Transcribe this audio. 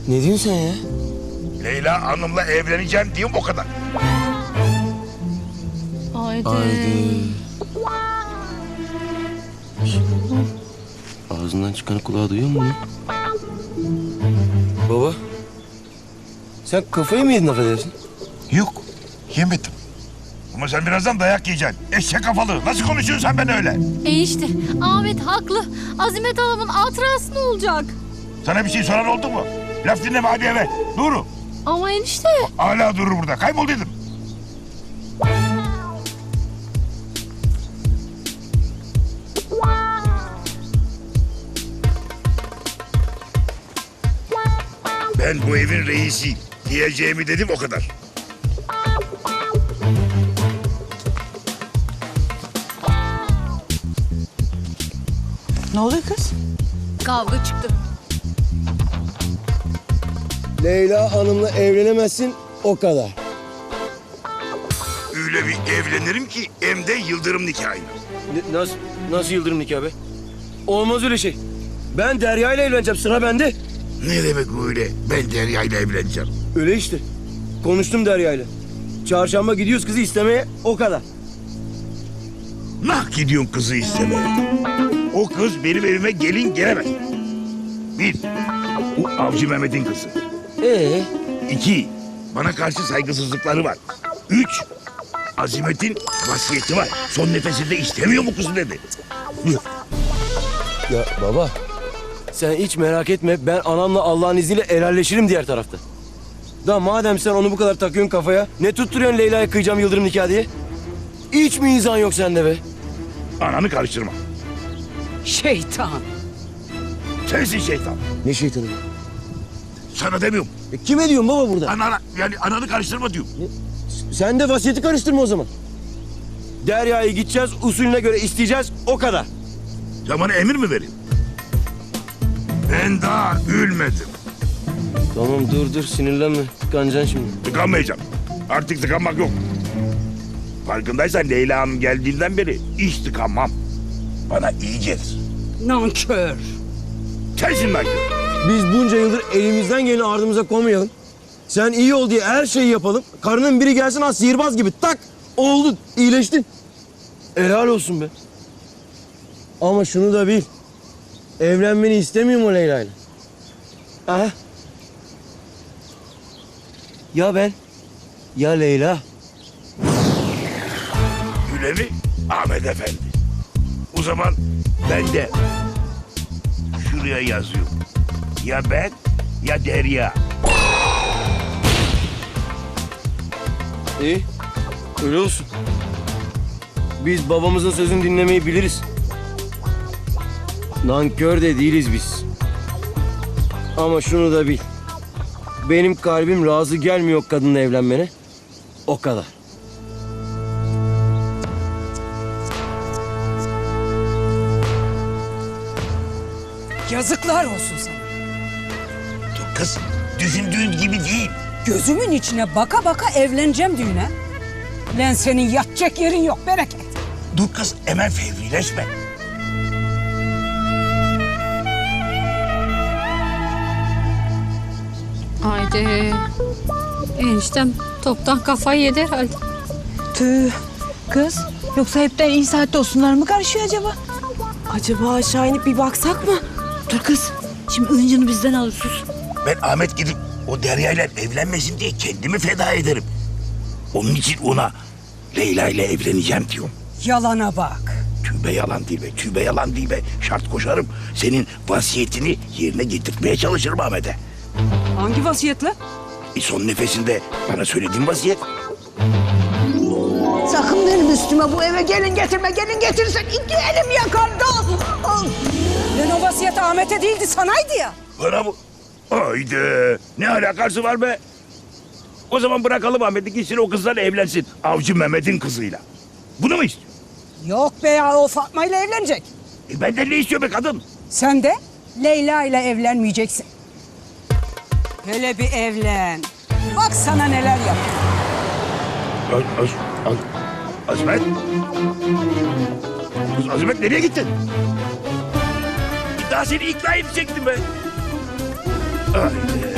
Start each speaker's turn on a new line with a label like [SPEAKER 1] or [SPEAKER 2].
[SPEAKER 1] Ne diyorsun sen ya?
[SPEAKER 2] Leyla Hanım'la evleneceğim diyeyim o kadar.
[SPEAKER 3] Haydi.
[SPEAKER 1] Ağzından çıkanı kulağa duyuyor musun? Baba. Sen kafayı mı yedin affedersin?
[SPEAKER 2] Yok, yemedim. Ama sen birazdan dayak yiyeceksin. Eşek kafalı. Nasıl konuşuyorsun sen ben öyle?
[SPEAKER 3] İşte Ahmet haklı. Azimet Hanım'ın hatırası ne olacak?
[SPEAKER 2] Sana bir şey soran oldu mu? Laf dinleme hadi eve. Duru.
[SPEAKER 3] Ama enişte.
[SPEAKER 2] Hala durur burada. Kaybol dedim. Ben bu evin reisiyim. Diyeceğimi dedim o kadar.
[SPEAKER 4] Ne oluyor kız?
[SPEAKER 3] Kavga çıktı.
[SPEAKER 1] Leyla Hanım'la evlenemezsin o kadar.
[SPEAKER 2] Öyle bir evlenirim ki hem de yıldırım nikahıyla.
[SPEAKER 1] Nasıl yıldırım nikahı be? Olmaz öyle şey. Ben Derya ile evleneceğim, sıra bende.
[SPEAKER 2] Ne demek öyle? Ben Derya ile evleneceğim.
[SPEAKER 1] Öyle işte. Konuştum Derya ile. Çarşamba gidiyoruz kızı istemeye, o kadar.
[SPEAKER 2] Nah gidiyorsun kızı istemeye. O kız benim evime gelin gelemez. Bir, o Avcı Mehmet'in kızı. İki, bana karşı saygısızlıkları var. Üç, Azimet'in vasiyeti var. Son nefesinde istemiyor bu kızı dedi.
[SPEAKER 1] Ya baba, sen hiç merak etme. Ben anamla Allah'ın izniyle helalleşirim diğer tarafta. Da madem sen onu bu kadar takıyorsun kafaya, ne tutturuyorsun Leyla'ya kıyacağım yıldırım nikah diye? Hiç mi izan yok sende be?
[SPEAKER 2] Ananı karıştırma.
[SPEAKER 4] Şeytan.
[SPEAKER 2] Sensin şeytan.
[SPEAKER 1] Ne şeytanı?
[SPEAKER 2] Sana demiyorum.
[SPEAKER 1] Kime diyorsun baba burada?
[SPEAKER 2] Yani ananı karıştırma diyorum.
[SPEAKER 1] Sen de vasiyeti karıştırma o zaman. Derya'yı gideceğiz, usulüne göre isteyeceğiz, o kadar.
[SPEAKER 2] Sen bana emir mi veriyorsun? Ben daha gülmedim.
[SPEAKER 1] Tamam dur sinirlenme. Tıkanacaksın şimdi.
[SPEAKER 2] Tıkanmayacağım. Artık tıkanmak yok. Farkındaysan Leyla Hanım geldiğinden beri hiç tıkanmam. Bana iyi gelir.
[SPEAKER 4] Nankör.
[SPEAKER 2] Sensin lan.
[SPEAKER 1] Biz bunca yıldır elimizden geleni ardımıza koymayalım. Sen iyi ol diye her şeyi yapalım. Karının biri gelsin ha sihirbaz gibi tak oldu iyileştin. Helal olsun be. Ama şunu da bil. Evlenmeni istemiyorum o Leyla'yla. Aha. Ya ben ya Leyla.
[SPEAKER 2] Öyle mi? Ahmet Efendi. O zaman ben de şuraya yazıyorum. Ya ben ya Derya.
[SPEAKER 1] İyi. Öyle olsun. Biz babamızın sözünü dinlemeyi biliriz. Nankör de değiliz biz. Ama şunu da bil. Benim kalbim razı gelmiyor o kadınla evlenmene. O kadar.
[SPEAKER 4] Yazıklar olsun sana.
[SPEAKER 2] Dur kız, düşündüğün gibi değil.
[SPEAKER 4] Gözümün içine baka baka evleneceğim düğüne. Lan senin yatacak yerin yok bereket.
[SPEAKER 2] Dur kız, hemen fevrileşme.
[SPEAKER 3] Haydi. Eniştem toptan kafayı yedi herhalde.
[SPEAKER 5] Tüh kız, yoksa hepten iyi saatte olsunlar mı karışıyor acaba? Acaba aşağı inip bir baksak mı? Dur kız, şimdi ıncını bizden alır sus.
[SPEAKER 2] Ben Ahmet gidip o Derya ile evlenmesin diye kendimi feda ederim. Onun için ona Leyla ile evleneceğim diyorum.
[SPEAKER 4] Yalana bak.
[SPEAKER 2] Tübe yalan değil be, tübe yalan değil be. Şart koşarım. Senin vasiyetini yerine getirtmeye çalışırım Ahmet'e.
[SPEAKER 4] Hangi vasiyetle?
[SPEAKER 2] Son nefesinde bana söylediğin vasiyet.
[SPEAKER 6] Sakın benim üstüme bu eve gelin getirme. Gelin getirirsen iki elim yakardı.
[SPEAKER 4] Lan o vasiyet Ahmet'e değildi sanaydı ya.
[SPEAKER 2] Bana bu. Haydi. Ne alakası var be? O zaman bırakalım Ahmet'i gitsin o kızla evlensin. Avcı Mehmet'in kızıyla. Bunu mu istiyor?
[SPEAKER 4] Yok be ya, o Fatma ile evlenecek.
[SPEAKER 2] Benden ne istiyor be kadın?
[SPEAKER 4] Sen de Leyla ile evlenmeyeceksin. Hele bir evlen. Bak sana neler yapıyor.
[SPEAKER 2] Azimet. Kız Azimet nereye gittin? Daha seni ikna edecektim ben. Haydi.